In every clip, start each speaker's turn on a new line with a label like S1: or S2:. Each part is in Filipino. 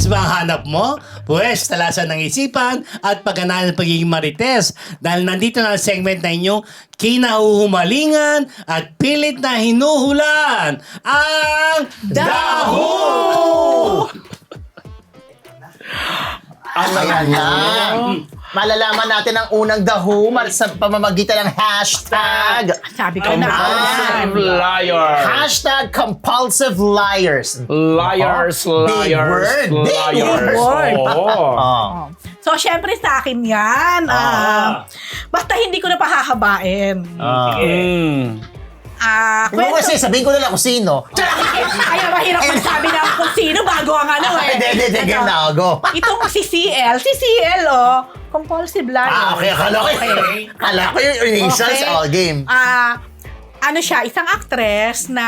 S1: Romance ba ang hanap mo? Pwes, talasan ng isipan at pagganaan ng pagiging marites. Dahil nandito na ang segment na inyong kinahuhumalingan at pilit na hinuhulan. Ang Daho!
S2: Ayan na. Malalaman natin ang unang daho sa pamamagitan ng hashtag.
S3: Sabi ko na.
S4: Compulsive liar.
S2: Hashtag compulsive liars.
S4: Liars,
S2: Big
S4: liars,
S2: word. Big
S4: liars.
S3: word.
S4: Oo.
S2: Oh.
S3: So, syempre sa akin yan. Basta hindi ko na pahahabain.
S2: Kung kasi sabihin ko na lang kung sino.
S3: Kaya mahirap magsabi na kung sino bago ang ano eh.
S2: Hindi, game na go.
S3: Itong si CL, compulsive liar.
S2: Okay. Akala ko yung initials, game.
S3: Ano siya, isang actress na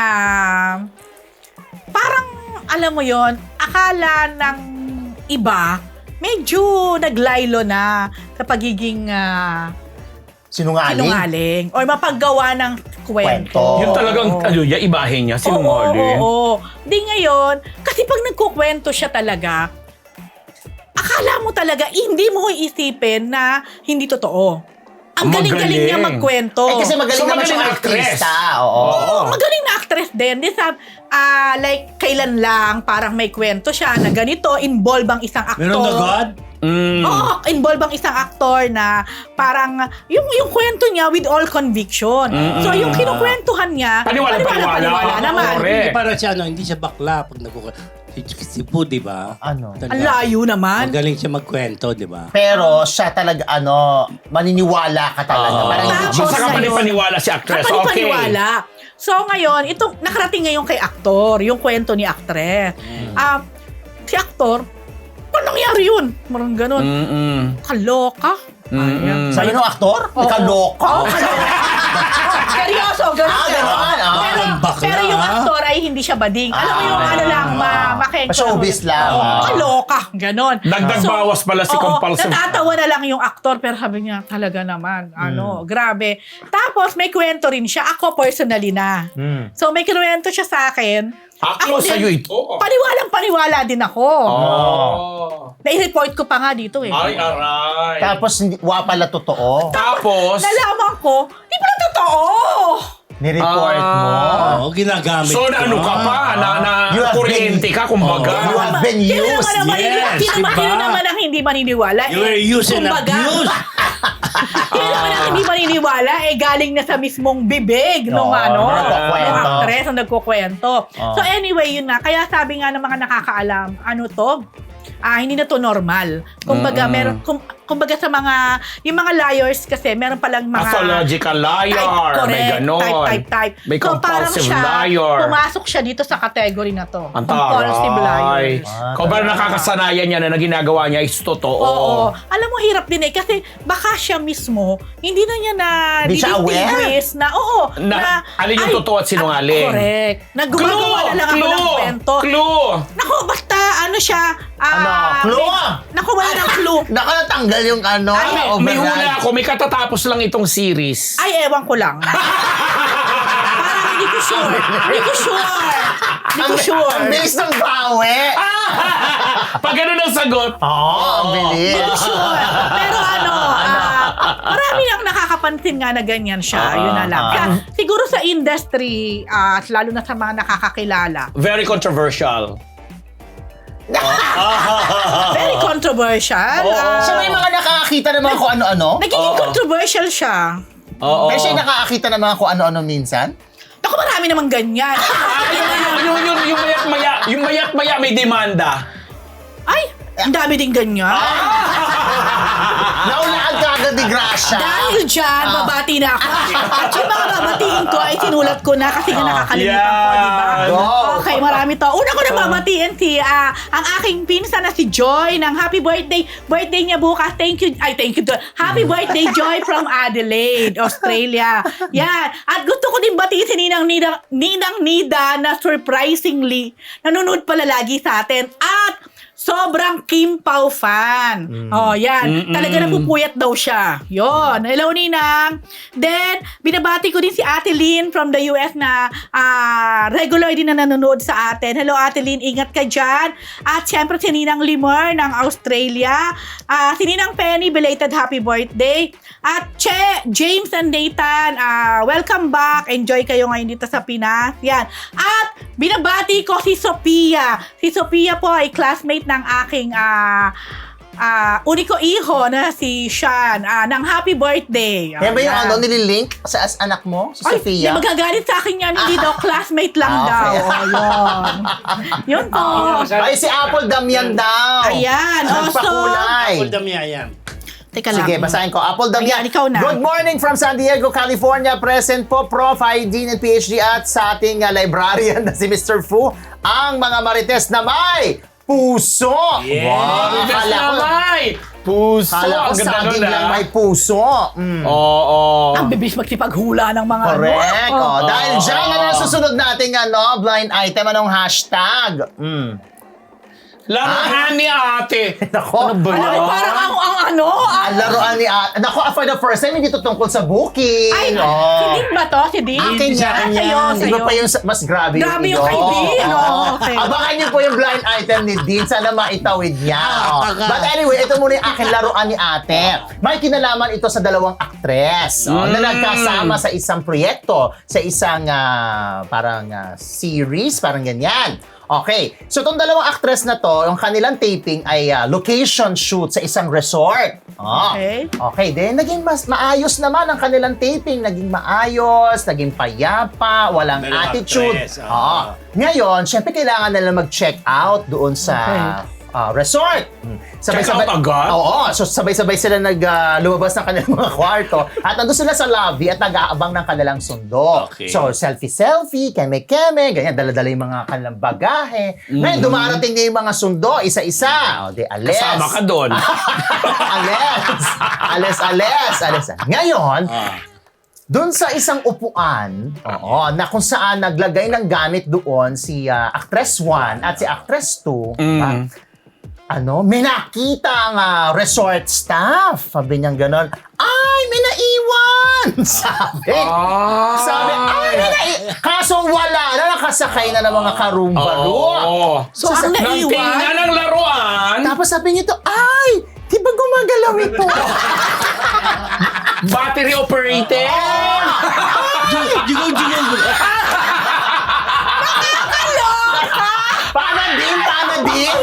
S3: parang, alam mo yon, akala ng iba, medyo naglaylo na sa pagiging sinungaling. Or mapaggawa ng kwento.
S4: Yun talagang, ibahin niya, sinungaling.
S3: Oo. Di ngayon, kasi pag nagkukwento siya talaga, akala mo talaga, hindi mo iisipin na hindi totoo. Ang galing-galing niya magkwento.
S2: Kasi magaling naman siyang artista. Oo.
S3: Magaling na actress din. Like, kailan lang, parang may kwento siya na ganito, involve ang isang aktor.
S1: Meron na God?
S3: Oo, involve ang isang aktor na parang yung kwento niya with all conviction. So yung kinukwentuhan niya, paniwala naman.
S1: Hindi para siya, hindi siya bakla pag si Poo, di ba?
S2: Ano?
S3: Ang layo naman.
S1: Magaling siya magkwento, di ba?
S2: Pero siya talaga, maniniwala ka talaga. Parang hindi
S3: Tapos
S2: siya
S4: Basta kapani-paniwala si actress. Okay.
S3: Kapani-paniwala. So ngayon, itong nakarating ngayon kay aktor, yung kwento ni actress. Si aktor, paano nangyari yun? Marang ganun. Kaloka.
S2: Sa'yo nung aktor? Kaloka?
S3: Seryoso, ganun.
S2: Ganun.
S3: Pero yung aktor ay hindi siya bading. Alam mo yung makengko.
S2: Showbiz lang.
S3: Kaloka, ganon.
S4: Dagdag bawas pala si compulsive.
S3: Natatawa na lang yung aktor pero sabi niya, talaga naman, grabe. Tapos may kwento rin siya. Ako personally na. So may kwento siya sa akin.
S4: Ako sa'yo ito.
S3: Paniwalang-paniwala din ako. Nai-report ko pa nga dito eh.
S4: Ay, aray.
S2: Tapos, pala totoo.
S4: Tapos,
S3: Nalaman ko, di pala totoo.
S2: Ni-report mo.
S1: Oo, ginagamit
S4: so ano ka pa?
S2: You have
S4: Kuryente ka, kumbaga.
S2: You have been used.
S3: Sino naman ang hindi maniniwala?
S1: You were used and abused.
S3: Sino naman ang hindi maniniwala? Galing na sa mismong bibig nung actress na nagkukwento. So anyway, yun na. Kaya sabi nga ng mga nakakaalam, hindi na to normal. Kumbaga, kumbaga sa mga, yung mga liars kasi, meron palang mga...
S4: Pathological liar. May ganon.
S3: Type.
S4: May compulsive liar.
S3: Pumasok siya dito sa category na to.
S4: Ang
S3: Compulsive liar.
S4: Kung ba nakakasanayan niya na ginagawa niya is totoo.
S3: Oo. Alam mo, hirap din kasi baka siya mismo, hindi na niya na
S2: Di siya aware?
S4: Alin yung totoo at sinungaling.
S3: Correct. Gumagawa na lang ako ng kwento.
S4: Clue!
S3: Naku, basta siya.
S2: Clue?
S3: Naku, wala ng clue.
S2: Nakatanggal yung
S4: May hula ako. May katatapos lang itong series.
S3: Ay, ewan ko lang. Parang hindi ko sure.
S2: Ang bilis ng bawi.
S4: Pag ganun ang sagot.
S2: Ang bilis.
S3: Hindi ko sure. Pero marami ang nakakapansin nga na ganyan siya. Yun na lang. Kaya, siguro sa industry, lalo na sa mga nakakakilala.
S4: Very controversial.
S3: Very controversial.
S2: Siya may mga nakakakita ng mga kung ano-ano?
S3: Nagiging controversial siya.
S4: Oo.
S2: Pero siya nakakakita ng mga kung ano-ano minsan?
S3: Ako, marami namang ganyan.
S4: Yung mayat-maya may demanda.
S3: Ay, ang dami din ganyan.
S2: Naulaan ka agad ni Gracia.
S3: Dahil dyan, babati na ako. At yung mga babatiin ko ay sinulat ko na kasi nga nakakalimutan ko, di ba?
S2: Go.
S3: Okay, marami to. Una ko na babatiin ang aking pinsan na si Joy ng happy birthday. Birthday niya bukas. Thank you. Happy birthday, Joy from Adelaide, Australia. Yan. At gusto ko din batiin si Ninang Nida na surprisingly nanonood pala lagi sa atin. At sobrang Kim Pao fan. Oh, yan. Talaga napupuyat daw siya. Yon. Hello, Ninang. Then, binabati ko din si Ate Lynn from the US na regular din na nanonood sa atin. Hello, Ate Lynn. Ingat ka dyan. At syempre, si Ninang Limor ng Australia. Si Ninang Penny, belated happy birthday. At James and Nathan, welcome back. Enjoy kayo ngayon dito sa Pinas. Yan. At binabati ko si Sophia. Si Sophia po ay classmate ng aking uniko iho na si Sean ng happy birthday.
S2: Kaya ba yung
S3: Yan.
S2: nililink sa anak mo, si
S3: Ay,
S2: Sofia?
S3: hindi magagalit sa akin yan. Hindi daw, classmate lang daw.
S2: okay.
S3: Oh, yun. Yun po.
S2: Ay, si Apple Damian daw.
S3: Ayan.
S2: Nagpakulay.
S1: Apple Damia yan.
S3: Teka lang.
S2: Sige, basahin ko. Apple Damian.
S3: Ayan, ikaw na.
S2: Good morning from San Diego, California. Present po, Prof. ID and PhD at sa ating librarian na si Mr. Fu. Ang mga marites na may puso.
S1: Yeah.
S2: Wow.
S4: Kala ko. Puso.
S2: Kala ko
S4: Ang ganda
S2: saging
S4: nun,
S2: lang
S4: ah.
S2: may puso.
S4: Oo.
S3: Ang bibis magsipaghula ng mga
S2: Correct.
S3: ano.
S2: Oh, dahil dyan, ano ang susunod nating blind item? Anong hashtag?
S4: Laruan ni ate.
S2: Nako.
S4: Ano ba
S3: Alam mo,
S4: yan?
S3: parang ang ano?
S2: Ang laruan ni Nako, for the first time, hindi to tungkol sa booking.
S3: Ay,
S2: Oh.
S3: si Din ba to? Si Din?
S2: Akin
S3: Ah,
S2: yan.
S3: sa'yo,
S2: Iba
S3: sa'yo.
S2: pa yung mas grabe
S3: Grabe
S2: iyo.
S3: yung kay Din. Oh, okay.
S2: Abangan niyo po yung blind item ni Dean. Sana maitawid niya. Oh.
S1: okay.
S2: But anyway, ito muna yung aking laruan ni ate. May kinalaman ito sa dalawang aktres na nagkasama sa isang proyekto, sa isang series, parang ganyan. Okay. So, itong dalawang actress na to, yung kanilang taping ay location shoot sa isang resort.
S3: Okay.
S2: Okay. Then, naging maayos naman ang kanilang taping. Naging maayos, naging payapa, walang
S1: Dalawang
S2: attitude.
S1: actress,
S2: Ngayon, syempre kailangan nila mag-check out doon sa resort.
S4: Check out agad?
S2: Oo. So, sabay-sabay sila lumabas ng kanilang mga kwarto at nandun sila sa lobby at nag-aabang ng kanilang sundo.
S1: Okay.
S2: So, selfie-selfie, keme-keme, ganyan, dala-dala yung mga kanilang bagahe. Ngayon, dumarating na yung mga sundo, isa-isa. O, di, ales.
S4: Kasama ka doon.
S2: Ales. Ngayon, doon sa isang upuan, na kung saan naglagay ng gamit doon si Actress 1 at si Actress 2, may nakita ang resort staff. Sabi niyang ganon, ay, may naiwan! Sabi, ay, may naiwan. Kaso wala na, nakasakay na ng mga karumbalu.
S4: Oo.
S3: So, ang
S4: Nang
S3: naiwan,
S4: tingnan ng laruan,
S2: Tapos sabi niya to, ay, di ba gumagalaw ito?
S4: battery operated.
S1: Jigong.
S2: Paano din?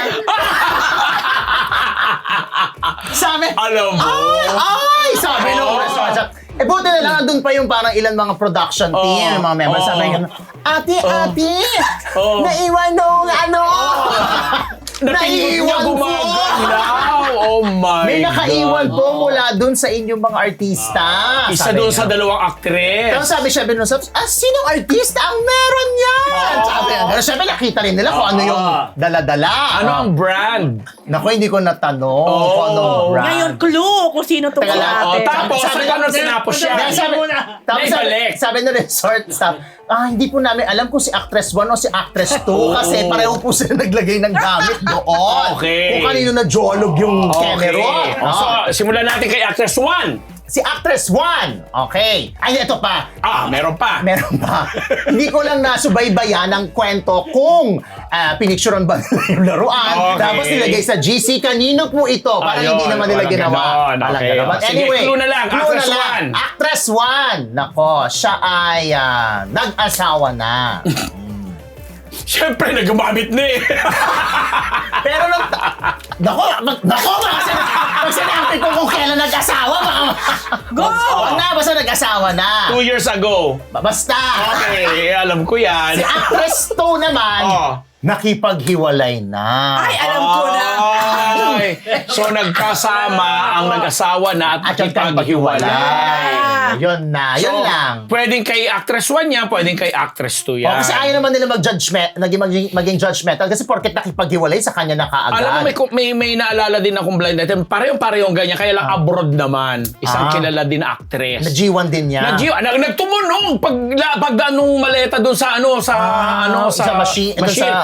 S2: Sabi,
S4: Alam mo.
S2: ay, sabi nung resort. Buti na lang, andun pa yung parang ilan mga production team, mga members. Sabi nga, ate, naiwan nung
S4: Napindot niya
S2: naiwan po.
S4: gumagalaw. Oh my
S2: May nakaiwan
S4: God.
S2: po mula dun sa inyong mga artista.
S4: Isa
S2: Sabi
S4: doon
S2: niya.
S4: sa dalawang aktres.
S2: Tapos sabi siya nung sinong artista ang meron yan? Sabi niya. Pero syempre nakita rin nila kung ano yung dala-dala.
S4: Ano ang brand?
S2: Naku, hindi ko natanong kung anong brand.
S3: ngayon, clue kung sino to
S2: Teka
S3: si
S2: lang.
S3: ate.
S4: Tapos, paano sinapos siya?
S2: Tapos
S4: Naibalik.
S2: sabi ng resort staff, hindi po namin alam kung si Actress 1 o si Actress 2 kasi pareho po sila naglagay ng gamit doon.
S4: Okay.
S2: Kung kanino na jolog yung camera.
S4: So, simulan natin kay actress 1.
S2: Si Actress 1. Okay. Ay, ito pa.
S4: Meron pa.
S2: Meron pa. Hindi ko lang nasubaybayan ang kwento kung pinicturean ba nila yung laruan.
S4: Okay.
S2: Tapos nilagay sa GC. Kanino po ito? Parang
S4: Ayun,
S2: hindi naman nila
S4: walang
S2: ginawa.
S4: ganon.
S2: Walang
S4: Okay.
S2: ganon. But
S4: Sige,
S2: anyway,
S4: clue na lang. Actress 1.
S2: Actress 1. Nako, siya ay nag-asawa na.
S4: Siyempre, nagumamit na eh.
S2: Pero nako, pag sinabi ko kung kailan nag-asawa,
S3: Go!
S2: basta nag-asawa na.
S4: 2 years ago.
S2: Basta.
S4: Okay, alam ko yan.
S2: Si Actress 2 naman, nakipaghiwalay na.
S3: Ay, alam ko na.
S4: Ay, so nagkasama ang nag-asawa na at nakipaghiwalay.
S2: Yun na, yun lang.
S4: Pwedeng kay actress 1 yan, pwedeng kay actress 2 yan.
S2: Kasi ayaw naman nila maging judgmental kasi porket nakipaghiwalay sa kanya na kaagad.
S4: Alam mo, may naalala din akong blind item. Parehong ganyan, kaya lang abroad naman. Isang kilala din na actress.
S2: Na G1 din niya.
S4: Nagtumunog pag anong maleta doon sa
S2: sa machine.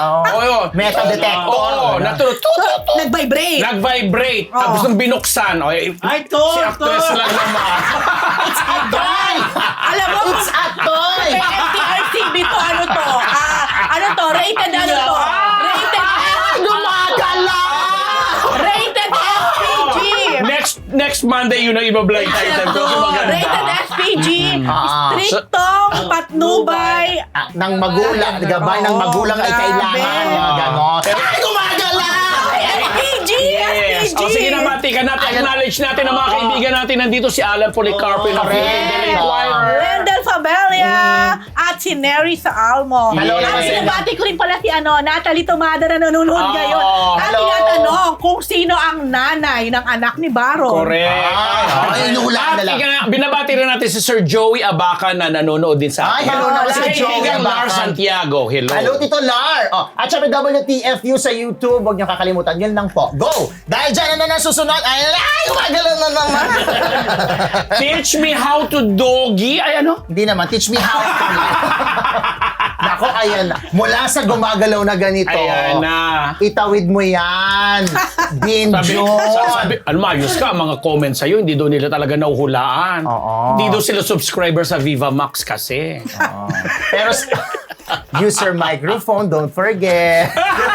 S4: Oo.
S2: Metal detector.
S4: Oo, natulog.
S3: Nag-vibrate.
S4: Nag-vibrate. Tapos nung binuksan,
S1: Ay, Tor!
S4: si actress lang naman.
S2: Toy!
S3: Alam mo,
S2: It's a toy!
S3: MTRCB to, ano to? Ano to? Rated ano to? Rated
S2: Gumagala!
S3: Rated SPG!
S4: Next Monday yun ang iba-blind item ko. Kasi maganda.
S3: Rated SPG!
S2: Ah.
S3: Striktong patnubay.
S2: Ng magulang, gabay ng magulang ay kailangan.
S3: Grabe.
S2: Ganon. Ay, gumagala!
S3: SPG!
S4: Yes.
S3: SPG!
S4: O sige na, matikan natin. Acknowledge natin ang mga kaibigan natin. Nandito si Alan Policarpo ng Philippine Choir.
S3: Wendell Fabelia at si Neri sa Almo.
S2: Hello,
S3: At
S2: Neri.
S3: sinabati ko rin pala si Natalie Tomada na nanonood ngayon. At
S2: hello.
S3: tinatanong kung sino ang nanay ng anak ni Baron.
S4: Correct.
S2: Ay, inuulaan na lang.
S4: Binabati rin natin si Sir Joey Abaca na nanonood din sa
S2: Ay, hello naman si Joey
S4: Kaibigan Lar
S2: Abacan.
S4: Santiago. Hello.
S2: Hello, Tito Lar! At syempre, WTFU sa YouTube. Huwag niyo kakalimutan. Yun lang po. Go! Dahil dyan na susunod. Ay, gumagala na naman.
S4: Teach me how to doggy. Ay, ano?
S2: Hindi naman. Teach me how to Nako, ayan na. Mula sa gumagalaw na ganito,
S4: Ayan na.
S2: itawid mo yan. Din
S4: Sabi, ano maayos ka, ang mga comments sa'yo, hindi doon nila talaga nauhulaan.
S2: Oo.
S4: Hindi doon sila subscriber sa Viva Max kasi.
S2: Pero, use your microphone. Don't forget.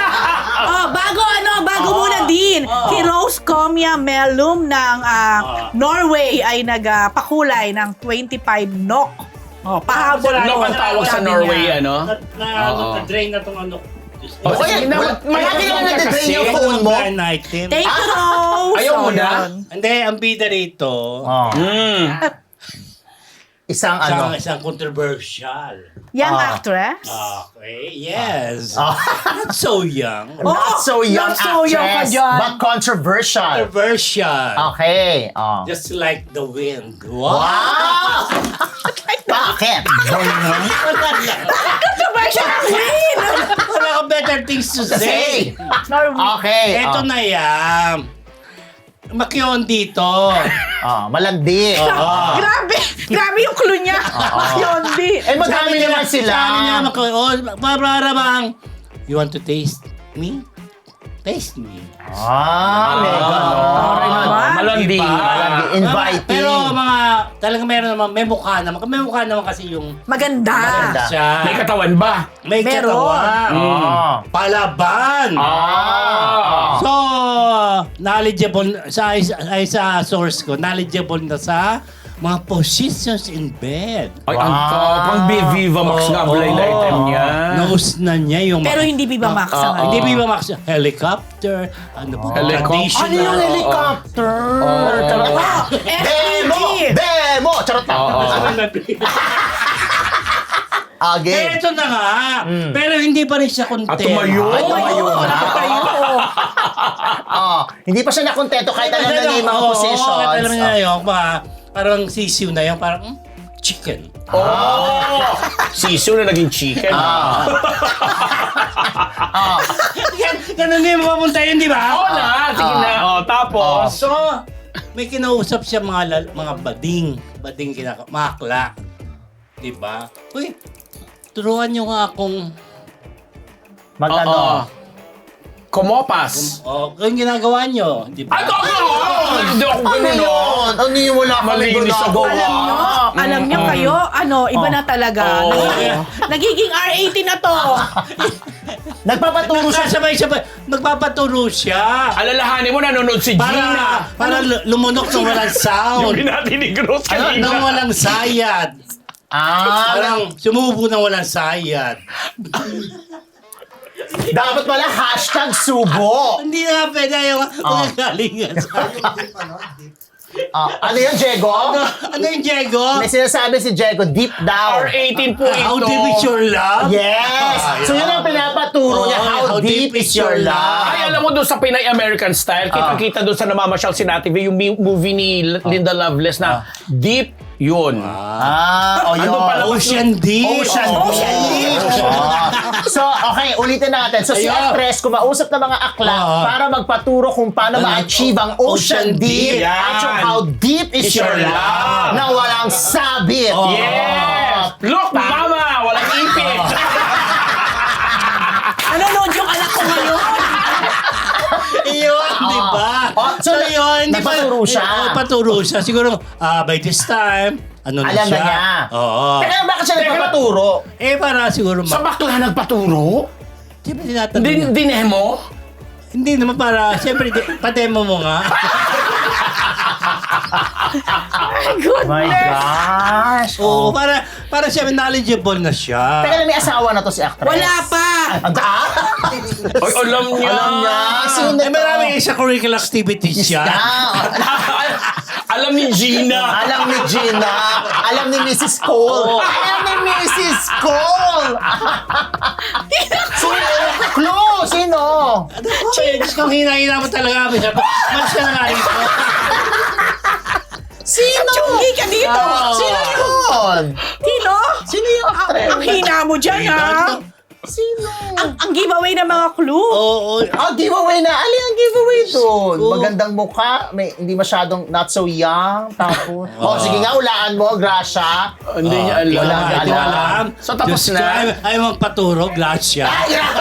S3: Bago muna din, si Rose Comia Mellum ng Norway ay nagpakulay ng 25 NOK. Pahabol
S4: Ano
S3: ako.
S4: ang tawag sa
S3: Sabi
S4: Norway,
S3: niya.
S4: ano?
S1: Na-drain na itong ano.
S4: Oh,
S2: O
S4: sige
S2: yan,
S4: na,
S2: lagi na nag-drain
S4: kasi.
S2: yung phone mo.
S1: Blind item.
S3: Thank you, Rose.
S4: Ayaw mo na?
S3: yun.
S1: Hindi, ang bida rito,
S2: Isang
S1: isang controversial.
S3: Young actress?
S1: Okay, yes.
S2: Ah.
S1: Not so young.
S2: Not so young
S3: not so young ka
S2: actress,
S3: dyan.
S2: but controversial.
S1: Controversial.
S2: Okay.
S1: Just like the wind. Wow!
S2: Wow! Bakit?
S3: Controversial ang win!
S1: Wala ka better things to say.
S2: Say.
S3: Norway.
S2: Okay.
S1: Eto na yan. Makyon dito.
S2: Malandi.
S3: Grabe yung clue niya. Yondi.
S2: Eh, madami naman sila.
S1: Sabi niya, para bang, you want to taste me? Taste me.
S2: May ganon.
S4: Malandi.
S1: Diba?
S2: Malandi. Inviting.
S1: Pero talaga meron naman, may mukha naman. May mukha naman kasi yung
S3: Maganda.
S2: Maganda.
S1: siya.
S4: May katawan ba?
S1: May
S3: Meron.
S1: katawan. Palaban. So, knowledgeable sa source ko, knowledgeable na sa mga positions in bed.
S4: Ay, ang pang Viva Max nga blind item niya.
S1: Knows na niya yung
S3: Pero hindi Viva Max ang
S1: Hindi Viva Max. Helicopter. Ano ba?
S4: Helicopter.
S2: Ano yung helicopter? Demo!
S3: FPG.
S2: Demo! Charot na. Again.
S1: Ito na nga. Pero hindi pa rin siya content.
S4: At tumayo.
S2: Ay, tumayo na. Hindi pa siya nakontento kahit alam na niya yung mga positions.
S1: Kahit alam niya yung parang sisiw na yung parang chicken.
S4: Sisu na naging chicken.
S1: Ganun din mapunta yun, di ba?
S4: Oo na. Sige na. Tapos.
S1: So, may kinausap siya mga bading makla. Di ba? Uy, turuan nyo nga akong
S2: Magano?
S4: Kumopas.
S1: yung ginagawa nyo, di ba?
S4: Ay, hindi ako
S2: Ano
S4: ganun.
S2: yun? Ano yung wala kami
S4: Malinis ako.
S2: ginagawa?
S3: Alam nyo kayo, iba na talaga. Nagiging R18 na to.
S2: Nagpapaturo siya.
S1: Sabay-sabay, nagpapaturo siya.
S4: Alalahanin mo, nanonood si Gina.
S1: Para lumunok ng walang
S4: Yung
S1: sound.
S4: binati ni Gross kanina.
S1: Nang walang sayad. Parang sumubo ng walang sayad.
S2: Dapat pala #subo.
S1: Hindi na pwede yung magagalingan sa
S2: Ano yun, Diego?
S1: Ano yung Diego?
S2: May sinasabi si Diego, deep down.
S4: R18 po ito.
S1: How deep is your love?
S2: Yes! So yun ang pinapaturo niya, how deep is your love?
S4: Ay, alam mo doon sa Pinay American Style, kitang-kita doon sa namamasyal si Nati V, yung movie ni Linda Lovelace na Deep, yun.
S2: Yun.
S4: Ano pala?
S1: Ocean Deep.
S2: Ocean Deep. So, okay, ulitin natin. So, si
S1: Ayun.
S2: actress, kumausap ng mga akla para magpaturo kung paano ma-achieve ang Ocean Deep.
S4: Yan.
S2: At yung how deep is your love na walang sabit.
S4: Yes! Look, mama! Walang ipit!
S3: Nanonood
S2: Nagpaturo siya.
S1: Paturo siya. Siguro, by this time, ano na
S2: Alam
S1: siya.
S2: na niya.
S1: Oo.
S2: Teka, bakit siya nagpapaturo?
S1: Para siguro,
S4: Sa bakla nagpaturo?
S1: siyempre tinatanong niya.
S4: Dinemo?
S1: Hindi naman para, siyempre, pa-demo mo nga.
S2: My gosh.
S1: Oo, para siya knowledgeable na siya.
S2: Teka, may asawa na to si actress.
S3: Wala pa!
S4: Oy, alam niya.
S2: Alam niya. Sino to?
S1: Maraming extracurricular activities siya.
S4: Alam ni Gina.
S2: Alam ni Gina. Alam ni Mrs. Cole. Alam ni Mrs. Cole. Sino? Clue! Sino?
S1: Ano ko? Diyos kong hina-hina mo talaga. Malis ka na nga rito.
S2: Sino?
S3: Chungi ka dito!
S2: Sino yun?
S3: Sino?
S2: Sino yung actress?
S3: Ang hina mo dyan, ha?
S2: Sino?
S3: Ang giveaway ng mga clue.
S1: Oo.
S2: Giveaway na. Alin ang giveaway doon?
S1: Ko.
S2: Magandang mukha. Hindi masyadong not so young. Tapos, sige nga, hulaan mo, Gracia.
S4: Hindi niya alam.
S2: Wala nga
S1: Hindi
S2: alam.
S1: alam.
S4: So, tapos
S1: Diyos
S4: na?
S1: ko, Ay magpaturo, Gracia.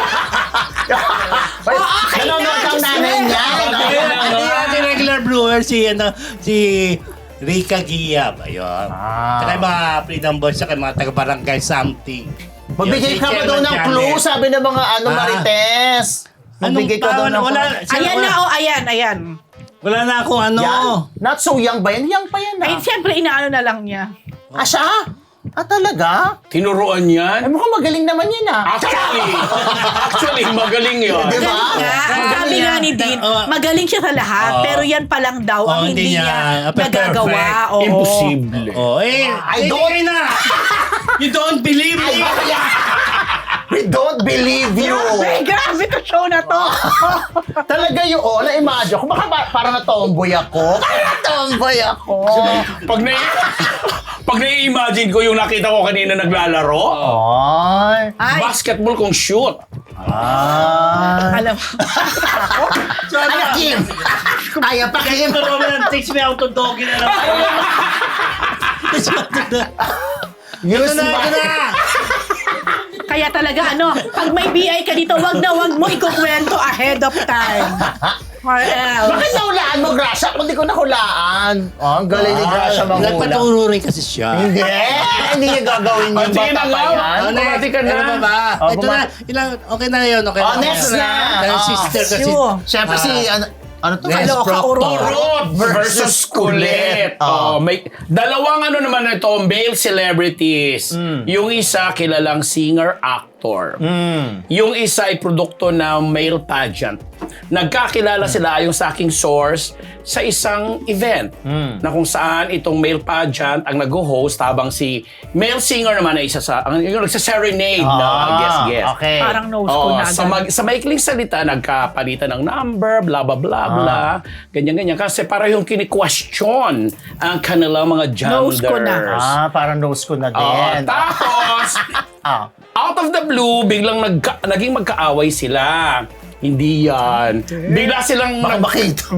S2: Nanonood ang nanay niya.
S1: Hindi natin regular brewer si Rica Giab. Ayun. Saka yung mga Freedom Boys, saka yung mga taga-barangay something.
S2: Magbigay
S1: Yun, si
S2: ka ba
S1: Chairman
S2: daw ng
S1: Janet.
S2: clue? Sabi ng mga Marites. Magbigay ka daw ng
S1: wala,
S3: Ayan na, ayan.
S1: Wala na akong ano.
S2: Yan. Not so young ba yan? Young pa yan
S3: Ay,
S2: ah.
S3: siyempre, inaano na lang niya.
S2: Siya? Talaga?
S4: Tinuruan
S2: Ay,
S4: yan?
S2: mukhang magaling naman yan ah.
S4: Actually, magaling yun.
S2: Di ba?
S3: Sabi nga ni Dean, magaling siya sa lahat, pero yan pa lang daw ang hindi niya nagagawa.
S1: perfect.
S3: Oo.
S4: Imposible.
S2: I don't-
S1: na. You don't believe me.
S2: We don't believe you.
S3: Ay, grabe to show na to.
S2: Talaga yun. Na-imagine ko. Baka parang na-tomboy ako. Parang na-tomboy ako.
S4: Pag nai-imagine ko yung nakita ko kanina naglalaro,
S2: Ay.
S3: Ay,
S4: basketball kung shoot.
S3: alam mo.
S2: Ano, Kim? Kaya pa, Kim?
S1: Ito naman, takes me out to doggy na lang.
S2: Use
S1: Ito na.
S3: Kaya talaga, pag may BI ka dito, wag mo ikukwento ahead of time. Or else.
S2: Bakit nahulaan mo, Gracia? Kung di ko nahulaan. Ang galing ni Gracia manghula.
S1: Nagpaturo rin kasi siya.
S2: Hindi. Hindi niya gagawin yung
S4: Sige na
S2: bata pa
S4: nga.
S2: yan.
S4: Bumati ka na.
S1: Ano pa ba?
S2: Oh,
S1: Ito na. Okay na yun. Okay
S2: Next na.
S1: Dahil sister kasi.
S3: Sure.
S2: Siyempre si, ano to?
S1: Nes
S3: Kaloka,
S1: Proctor.
S3: urot.
S4: Urot versus kulit. May dalawang na ito, male celebrities. Yung isa, kilalang singer-actor. Yung isa ay produkto ng male pageant. Nagkakilala sila yung sa aking source sa isang event na kung saan itong male pageant ang nag-host habang si male singer naman ay isa sa yung nagsa-serenade na guest.
S2: Okay.
S3: Parang nose ko na.
S4: Sa maikling salita, nagkapalitan ng number, bla bla bla bla, ganyan-ganyan. Kasi para yung kini-question ang kanilang mga
S3: Nose ko na.
S4: genders.
S2: Parang nose ko na din.
S4: Tapos, out of the blue, biglang naging magkaaway sila. Hindi yan. Bigla silang
S2: Baka makita.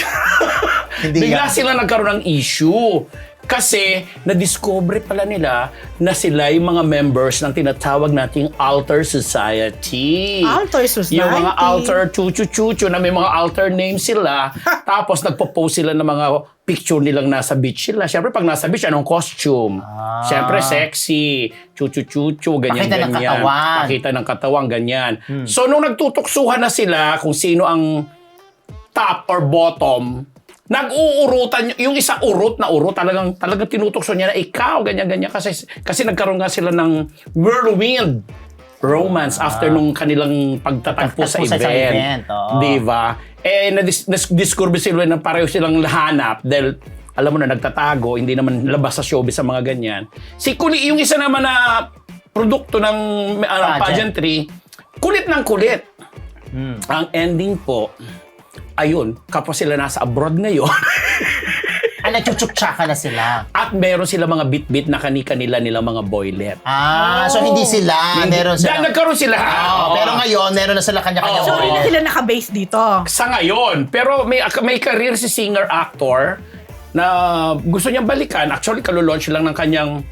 S2: Hindi
S4: bigla
S2: yan.
S4: silang nagkaroon ng issue. Kasi na-discover pala nila na sila yung mga members ng tinatawag nating alter society.
S3: Alter society?
S4: Yung mga alter chuchu-chuchu na may mga alter names sila. Tapos nagpo-post sila ng mga picture nilang nasa beach sila. Siyempre pag nasa beach, anong costume? Siyempre sexy, chuchu-chuchu, ganyan-ganyan.
S2: Pakita ng katawan.
S4: Pakita ng katawan, ganyan. So nung nagtutuksuhan na sila kung sino ang top or bottom, nag-uurutan yung isa urot talagang tinutokso niya na ikaw ganyan kasi nagkaroon nga sila ng whirlwind romance after nung kanilang pagtatagpo sa event. Di ba? Na-discover sila na pareho silang lahanap dahil alam mo na nagtatago, hindi naman labas sa showbiz sa mga ganyan. Yung isa naman na produkto ng pageantry, kulit ng kulit. Ang ending po, ayun, kapwa sila nasa abroad ngayon.
S2: Nachuchuksaka na sila.
S4: At meron sila mga bit-bit na kani-kanila nilang mga boylet.
S2: So hindi sila. Meron sila.
S4: Nagkaroon sila.
S2: Pero ngayon, meron na sila kanya-kanya.
S3: So, hindi na
S2: boylet.
S3: sila naka-base dito.
S4: Sa ngayon. Pero may career si singer-actor na gusto niyang balikan. Actually, kalulaunch lang ng kanyang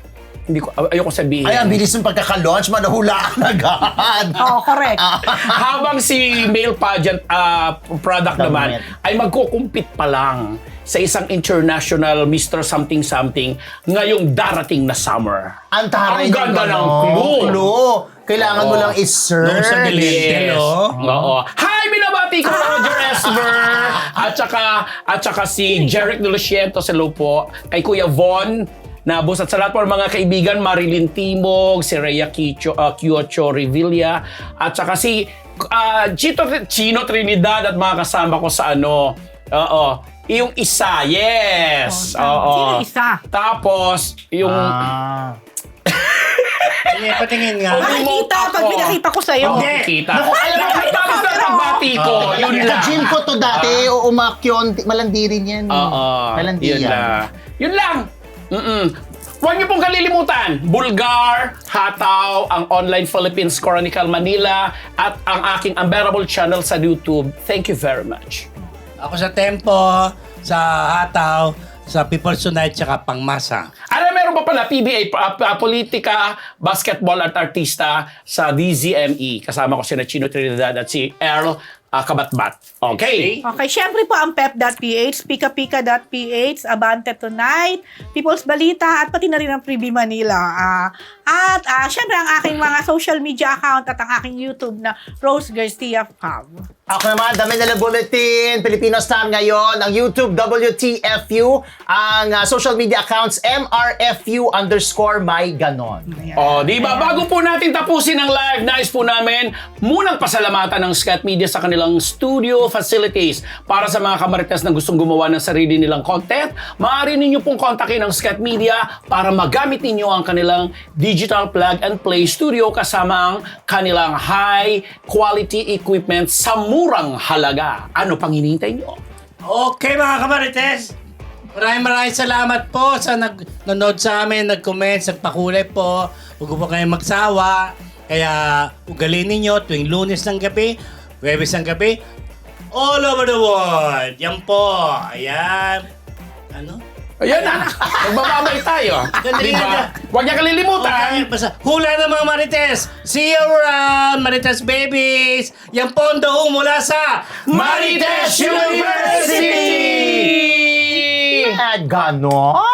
S4: hindi ko, ayoko sabihin.
S2: Ay, ang bilis ng pagkaka-launch, manahulaan agad.
S3: Oo, correct.
S4: Habang si male pageant product naman
S2: Government.
S4: ay magkukumpit pa lang sa isang international Mr. Something-something ngayong darating na summer.
S2: Ang taray
S4: Ang ganda ng
S2: clue.
S4: clue.
S2: Kailangan mo
S4: Oo.
S2: lang i-search.
S1: Doon sa Glendale, oh.
S4: Oo. Hi, binabati ko Roger Esmer. At saka si Jeric de Lucientos, hello po. Kay Kuya Von Nabos at sa lahat po ng mga kaibigan, Marilyn Timog, si Rhea Kiocho Revilla, at saka si Chino Trinidad at mga kasama ko sa yung isa, yes.
S3: Sino isa?
S4: Tapos, yung...
S1: Hindi, patingin nga.
S3: Makikita pag pinakita ko sa'yo.
S4: Makikita.
S2: Naku, alam mo,
S4: Tapos na nagbati ko. Yun lang.
S2: Ka-gym ko to dati, umakyon, malandi rin yan. Malandi
S4: Yun
S2: yan.
S4: lang. Yun lang. Huwag niyo pong kalilimutan, Bulgar, Hataw, ang Online Philippines Chronicle Manila, at ang aking unbearable channel sa YouTube. Thank you very much.
S1: Ako sa Tempo, sa Hataw, sa People's Tonight, tsaka Pangmasa.
S4: Meron pa pala, PBA, Politika, Basketball at Artista sa DZME. Kasama ko si Chino Trinidad at si Earl Kabatbat. Okay?
S3: Okay, syempre po ang pep.ph, pikapika.ph, Abante Tonight, People's Balita, at pati na rin ang Freebie Manila. At syempre ang aking mga social media account at ang aking YouTube na Rose Garcia Fab.
S2: Ako naman, dami na lang bulletin, Filipino Star ngayon, ang YouTube WTFU, ang social media accounts MRFU_my ganon.
S4: Di ba? Bago po natin tapusin ang live, nais po namin munang pasalamatan ng Scat Media sa kanilang studio facilities. Para sa mga kamarites na gustong gumawa ng sarili nilang content, maaari ninyo pong kontakin ang Scat Media para magamit ninyo ang kanilang digital plug and play studio kasama ang kanilang high quality equipment sa murang halaga. Ano pang hinihintay nyo?
S1: Okay mga kamarites, maraming salamat po sa nanonood sa amin, nag-comment, nagpakulay po. Huwag po kayong magsawa. Kaya ugalin ninyo tuwing Lunes ng gabi, Huwebes ng gabi, all over the world. Yan po. Ayan. Ano?
S4: Ayan na. Magbababay tayo.
S1: Ganda
S4: Diba?
S1: yan.
S4: Huwag niya kalilimutan.
S1: Okay, basta hula na mga Marites. See you around, Marites babies. Yan po ang daong mula sa
S4: Marites University!
S2: Ganon?